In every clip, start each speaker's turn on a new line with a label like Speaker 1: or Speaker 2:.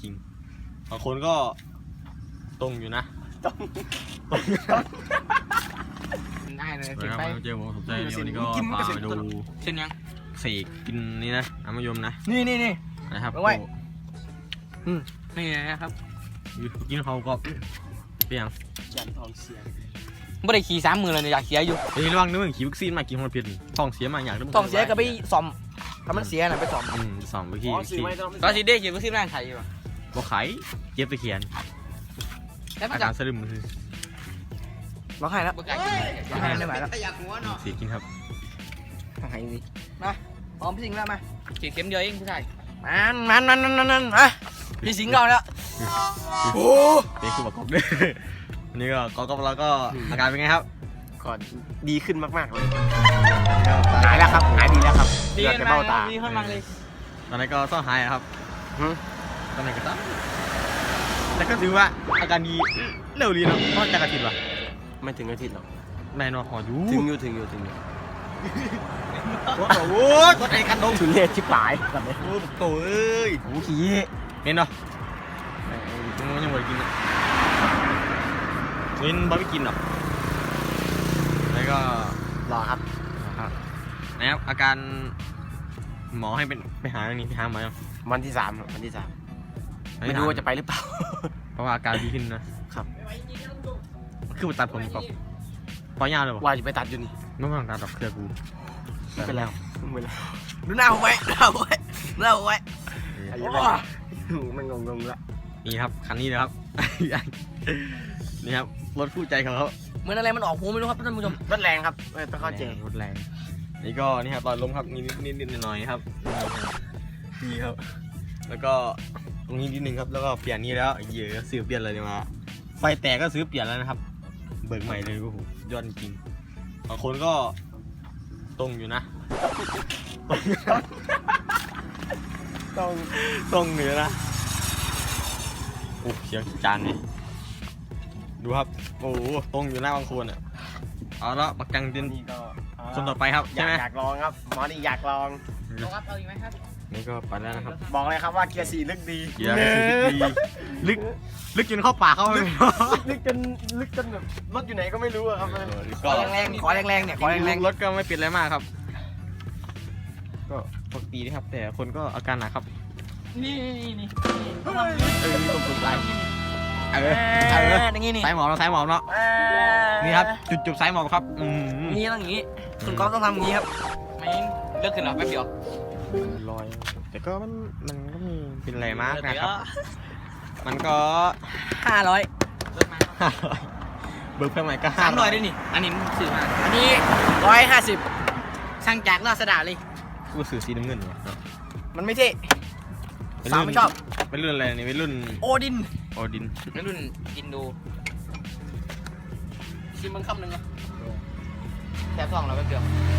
Speaker 1: ริงบางคนก็ตรงอยู่นะตรง
Speaker 2: ได้เลย
Speaker 1: เจอผมสนใจเดี๋ยววันนี้ก็พาไปดู
Speaker 2: เช่นยัง
Speaker 1: เสกกินนี่นะน้ำมะยมนะ
Speaker 2: นี่
Speaker 1: นะครับ
Speaker 2: นี่นะครับ
Speaker 1: กินเขาก็เปียง
Speaker 2: ยันทองเสียไม่ได้ขี่30,000เลยอยากเสียอยู่
Speaker 1: เฮ้ยระวังนึกถึงขี่วัคซีนมากินคนเพียรท้องเสียมาอยาก
Speaker 2: ท้องเสียก็ไปซ่อมถ้ามันเสียน่ะไปซ่อม
Speaker 1: ซ่อมไปขี่
Speaker 2: ก็สิได้ขี่วัคซีนร่างไข่อยู่
Speaker 1: บ่ไข่เจ็บตะเคียนอาการสะดึมคือ
Speaker 2: บ่ไข่แล้วบ่ไข่ไม่ไหวแล้ว
Speaker 1: เสียกินครับ
Speaker 2: ไข่สิมาพร้อมพี่สิงห์แล้วมาฉีดเข็มเดียวเองผู้ชายมันอ่ะพี่สิงห์เราแล้ว
Speaker 1: โอ้เด็กคือบอกกบด้วยวันนี้ก็กบแล้วก็อาการเป็นไงครับ
Speaker 3: ก่อนดีขึ้นมากๆเลยหายแล้วครับหายดีแล้วครับ
Speaker 2: ดีขึ้นมาดีขึ้นมาเลย
Speaker 1: ตอนนี้ก็ต้องหายครับตอนนี้ก็ต้องแต่ก็ถือว่าอาการดีเร็วดีนะเพราะจะอาทิตย์วะ
Speaker 3: ไม่ถึงอาทิตย์หรอก
Speaker 1: แม่นอนหออยู่
Speaker 3: ถึงอยู่
Speaker 1: โอ้โหกดไอ้กันดง
Speaker 3: ถึงเลทชิบหายแบบนี้
Speaker 1: โอ้โหเอ้ย
Speaker 3: โอ้ขี้
Speaker 1: เห็นเนาะยังไม่ได้กินเห็นบ่ไม่กินหรอกแล้วก็
Speaker 3: รอครับ
Speaker 1: นะครับอาการหมอให้เป็นไปหาหมอยัง
Speaker 3: วันที่ 3ไม่รู้ว่าจะไปหรือเปล่า
Speaker 1: เพราะว่าอาการดีขึ้นนะครับคือไปตัดผมก่อนปล่อยยาวเลย
Speaker 3: ว่าจะไปตัดอยู่นี่
Speaker 1: ไม่ต้องตัดดอกเครือกู
Speaker 3: ไปแล้ว
Speaker 2: ดูหน้าผมไว้
Speaker 3: มันงงละ
Speaker 1: นี่ครับคันนี้นะครับนี่ครับรถคู่ใจของเขา
Speaker 2: เหมือนอะไรมันออกหูไม่รู้ครับท่านผู้ชม
Speaker 3: รถแรงครับต้องเข้าใจ
Speaker 1: รถแรงนี่ก็นี่ครับตอนล้มครับนิดหน่อยครับนี่ครับแล้วก็ตรงนี้นิดนึงครับแล้วก็เปลี่ยนนี่แล้วเยอะซื้อเปลี่ยนอะไรมาไฟแตกก็ซื้อเปลี่ยนแล้วนะครับเบิกใหม่เลยโอ้โหยอดจริงบางคนก็ตรงอยู่นะตรงเหนือนะโอ้เสียงจานนี่ดูครับโอ้ตรงอยู่หน้าบางคนอ่ะเอาละปักกังดินคนต่อไปครับใช่ไหม
Speaker 3: อยากลองครับหมอนี่อยากลอง
Speaker 2: เอาอีกไหมครับ
Speaker 1: นี่ก็ไปแล้วนะครับ
Speaker 3: บอกเลยครับว่าเกียร์4ลึกดี
Speaker 1: เกียร์4ดีลึกจนเข้าปากเขาเลย
Speaker 3: ลึกจนแบบรถอยู่ไหนก็ไม่รู้ครับ
Speaker 2: ขอแรงเนี่ยขอแรง
Speaker 1: รถก็ไม่เป็นอะไรมากครับก็ปกตินะครับแต่คนก็อาการหนักครับ
Speaker 2: นี่
Speaker 1: ตุ่มไหล
Speaker 2: นี่
Speaker 1: สายหมอบเนาะนี่ครับจุดสายหมอบครับ
Speaker 2: นี่ต้องอย่างนี้คุณก๊อฟต้องทำอย่างนี้ครับไม่เลิกขึ้นหรอแป๊บเดียว
Speaker 1: ลอยแต่ก็มันก็มีเป็นอะไรมากนะครับมันก็
Speaker 2: 500
Speaker 1: เบิกเพิ่มใหม่ก็
Speaker 2: 300ด้วยนี่อันนี้สื่อมาอันนี้150ช่างจากราษฎาเลย
Speaker 1: กูสื่อสีน้ำเงินเนี่ย
Speaker 2: มันไม่เท่สาวไม่ชอบ
Speaker 1: เป็นรุ่นอะไรนี่เป็นรุ่น
Speaker 2: โอดิน
Speaker 1: เป็น
Speaker 2: รุ่นอินโดชิมมันคำหนึ่งอ่ะแทบ2แล้วแป๊บเดียว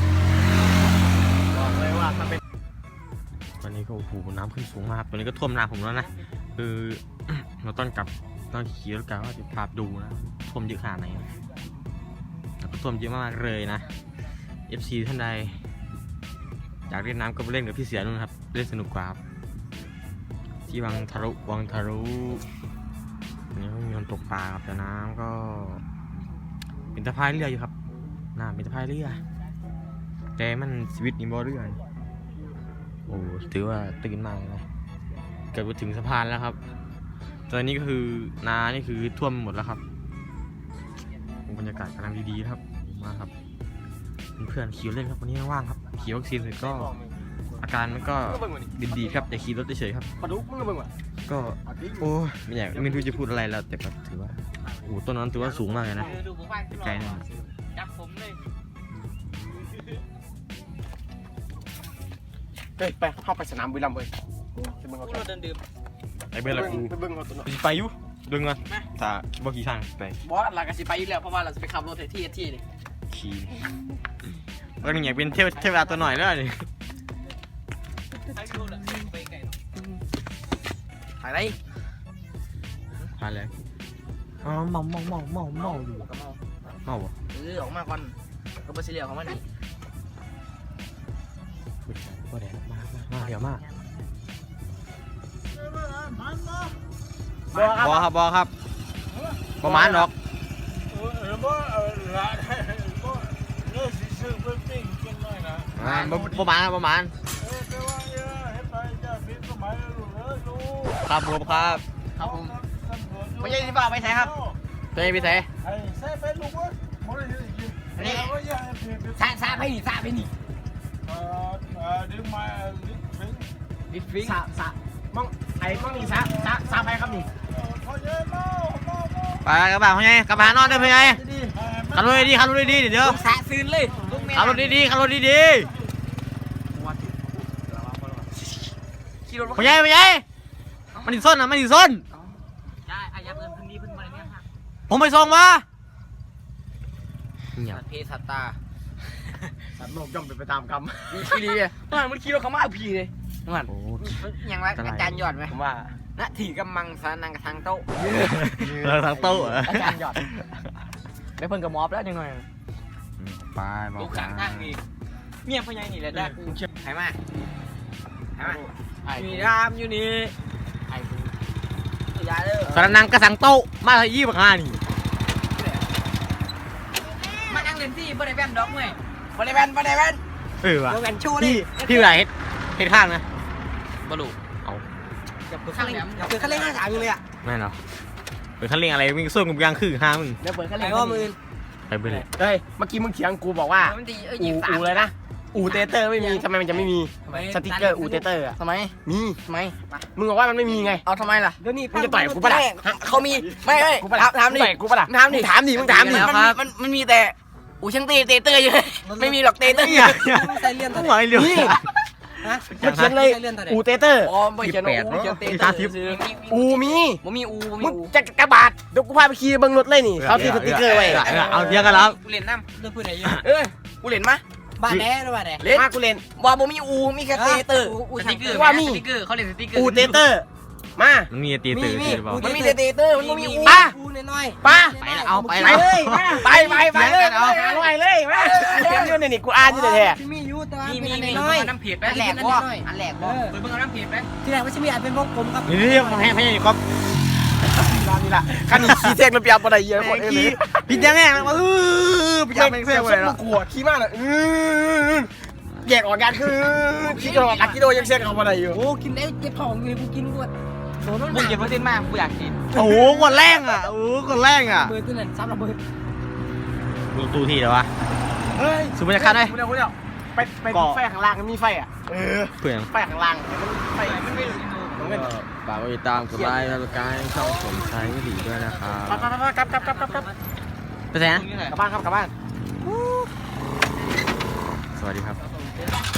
Speaker 3: บอกเลยว่ามันเป็น
Speaker 1: ตอนนี้ก็โอ้โหน้ำขึ้นสูงมากตอนนี้ก็ท่วมนาผมแล้วนะคือเราต้องขี่รถกลับว่าจะพาดูนะท่วมเยอะขนาดไหนแล้วก็ท่วมเยอะมากเลยนะ FC ท่านใดอยากเล่นน้ำก็ไปเล่นกับพี่เสียนู่นครับเล่นสนุกกว่าที่วังทะลุนี่มีคนตกปลาครับแต่น้ำก็เป็นตะไคร้เรืออยู่ครับน้ำเป็นตะไคร้เรือแต่มันชีวิตนี่บ่เรือโอ้ถือว่าตื่นมากเลยนะเกือบไปถึงสะพานแล้วครับตอนนี้ก็คือนานี่คือท่วมหมดแล้วครับบรรยากาศกำลังดีๆครับมาครับเพื่อนขี่เล่นครับวันนี้ว่างครับขี่วัคซีนเสร็จก็อาการมันก็ดีครับแต่ขี่รถเฉยๆครับก็โอ้ไม่รู้จะพูดอะไรแล้วแต่ก็ถือว่าโอ้ต้นนั้นถือว่าสูงมากเลยนะไกลๆนะ
Speaker 2: จับผมเลย
Speaker 3: ไปเข้าไปสนามบุรีรัมย์เลย
Speaker 2: เราเดินดื่ม
Speaker 1: ไอ้เบลล์กูไปอยู่ดึงมาถ้าบ่ขี่ช่างไป
Speaker 2: บอสเราก็สิไปอยู่แล้วเพราะว่าเราจะไปขับรถที่เลย
Speaker 1: ขี่ก็อยากเป็นเทวดาตัวหน่อยแล้วนี่
Speaker 2: ถ่ายอะไร
Speaker 1: ถ่ายเลยอ๋อเมาอยู่เมาบ่
Speaker 2: ออกมาก่อนก็ไปเสียของมันนี่
Speaker 1: ก็แดดมาเดี๋ยวมาบอครับบอครับประมาณหรอกประมาณประมาณครับผมครับ
Speaker 2: ครับผมไม่ใช่ที่บ้าไปไหนครับ
Speaker 1: เต้พี่เต้
Speaker 2: อันนี้ซาไปนี่ซาไปนี่ดิฟิง
Speaker 3: สะมองไอ้มองนี่สะไปครับนี่
Speaker 1: ไปกระบะพ่อใหญ่กระบะนอนเด้อพ่อใหญ่ขับรถดีขับรถดีเดี๋ยว
Speaker 2: สาซื้นเลยลูกแม่
Speaker 1: ขับรถดีขับรถดี
Speaker 2: ขี่รถ
Speaker 1: พ่อใหญ่พ่อใหญ่มันดิส้นนะมันดิส้น
Speaker 2: ใช่อายับเงินพื้นที่พื้นมาเนี่ยฮะ
Speaker 1: ผมไปส่งมาเงียบ
Speaker 2: สัตว์เพศสัตว์ตา
Speaker 3: สัตว์โลกย่อมเป็นไปตามกรรม
Speaker 2: มีขี้ดีอ่ะมันขี่รถเขามาเอาผีเลยนั่น
Speaker 1: โอ้
Speaker 2: ยังไรอาจารย์หยอดไหม
Speaker 3: ผมว่า
Speaker 2: ณถีกำมังสานังกระทางโต๊ะ
Speaker 1: เราทั้งโต๊ะ
Speaker 2: อาจารย์หยอดได้เพิ่นกับมอบแล้วยังไง
Speaker 1: ไปบอก
Speaker 2: ลูกข้างทางนี่เมียพ่อใหญ่นี่แหละได้กูเชื่อหายมาหายมามีรามอยู่นี่ไอ้กูยาเด้อ
Speaker 1: สารนังกระสังโต๊ะมาที่ยี่ปักห้านี่
Speaker 2: มานั่งเล่นที่บ่ได้แว่นดอกเว้ยบ่ได้แว่นบ่ได้แว่น
Speaker 1: ว่ะ
Speaker 2: บ่แว่นชูเล
Speaker 1: พี่ไหนเฮ็ดข้างนะ
Speaker 2: บ่รู้
Speaker 1: เอา
Speaker 2: อย่าเปิดคันเร่งอย่าเปิดคันเร่งหน้าถามอยู่เลยอ่ะ
Speaker 1: แม่นเหรอเปิดคันเร่งอะไรวิ่งส้นกับยางคือห้ามึง
Speaker 2: เดี๋ยวเปิดคันเร่งว่ามือ
Speaker 1: ไปไปเลย
Speaker 3: เฮ้ยเมื่อกี้มึงเถียงกูบอกว่า
Speaker 2: มันดี
Speaker 3: อู
Speaker 2: ยิงสาม
Speaker 3: เลยนะอูเตเตอร์ไม่มีทำไมมันจะไม่มีสติ๊กเกอร์อูเตเตอร์อะ
Speaker 2: ทำไม
Speaker 3: มี
Speaker 2: ทำไม
Speaker 3: มึงบอกว่ามันไม่มีไง
Speaker 2: เอาทำไมล่ะ
Speaker 3: มึงจะต่อยกูปะล่ะ
Speaker 2: เขามีไม่ไม่
Speaker 3: กูปะล่ะ
Speaker 2: ถามดิ
Speaker 3: ต่อยกูปะล่ะ
Speaker 2: ถามดิ
Speaker 3: ถามดิมึงถามดิ
Speaker 2: มันมีแต่อูช่างตีเตเตอร์อยู่ไม่มีหรอกเตเตอร์
Speaker 4: ใส่เลี่ยนตัว
Speaker 1: ไหวเร็ว
Speaker 3: นี่มันเขียนเลยอูเตเตอร์
Speaker 2: อ๋อไม่เขียนอูเขียนเตเตอร์ซื้อ
Speaker 3: อูมี
Speaker 2: บ่มีอู
Speaker 3: มึงจะกระบาดเดี๋ยวกูพาไปขี่เบิ้งรถเลยนี่เขาติดสติ๊กเกอร์ไว้
Speaker 1: เอาเทียกันแล้ว
Speaker 2: กูเล่นน้
Speaker 4: เรื่องพูดไหนอยู่
Speaker 2: ำเอ้ยกูเล่นมา
Speaker 4: บ้านแน่หรือบ้านแน่
Speaker 2: เล่น
Speaker 3: มากูเล่น
Speaker 2: ว่าบ่มีอูมีแค่เตเตอร์
Speaker 4: สติ๊กเกอร์
Speaker 3: ว่ามี
Speaker 2: สติ๊กเกอร์เขาเล่นสติ๊กเกอร์
Speaker 3: อูเตเตอร์มา
Speaker 1: มันมีตีตื่นหรือเปล่า
Speaker 2: มันมีแต่เตเตอร์มันบ่มีอู
Speaker 3: ป้า
Speaker 4: อูน้อย
Speaker 3: ป้า
Speaker 1: ไปแล้วเอาไป
Speaker 3: ไป
Speaker 1: แล้ว
Speaker 3: เลยไปเลยเอาหาลอยเลยมาเขียนอยู่นี่กูอ่านอยู่แท้
Speaker 4: ที่มีอยู่แต่ว่า
Speaker 2: มี
Speaker 4: เป็น
Speaker 2: มี
Speaker 4: อันน้อย
Speaker 2: น้ำเผ็ดไปอันแหลกว่าอันแหลกว่าเพิ่งเอาน้ำเผ็ดไป
Speaker 4: ที่แรกว่าจะมีอาจเป็นวงกลมครับ
Speaker 1: นี่ให้ให้ก๊อฟ
Speaker 3: นี่ล่ะคันนี้ขี่เส้นมันเปียกบ่ได้เยอะคนเอ้ย
Speaker 1: พี่ยังไงพี่ยังไม่เสียเลย
Speaker 3: กูกลัวขี่มากเลยแยกออกกันคือขี่ออกกันกิโลยังเส้นเขาบ่ได้อยู่
Speaker 4: โอ้กินได้เจ็บท้องอยู่เลยกูกินกูโดน
Speaker 2: มึงเก็บเปอร์เซ็นต์มากกูอยากกิน
Speaker 1: โอ้โหคนแรงอ่ะโอ้คนแรงอ่ะ
Speaker 4: เบอร์ตัวนั้นซ้ำระเบิด
Speaker 1: ดูตู้ที่เดี๋ยววะ
Speaker 3: เฮ้ย
Speaker 1: สูบรรยากาศได้
Speaker 3: กูเดี๋ยวไปไฟข้างล่างมันมีไฟอ่ะ
Speaker 1: เปลี่ยน
Speaker 3: ไฟข้างล่างไฟมันไม่
Speaker 1: ฝากติดตามกดไลค์และกายช่องผมใช้วิถีด้วยนะครับ
Speaker 3: กลับ
Speaker 1: ไปไหนนะ
Speaker 3: กลับบ้านครับกลับบ้าน
Speaker 1: สวัสดีครับ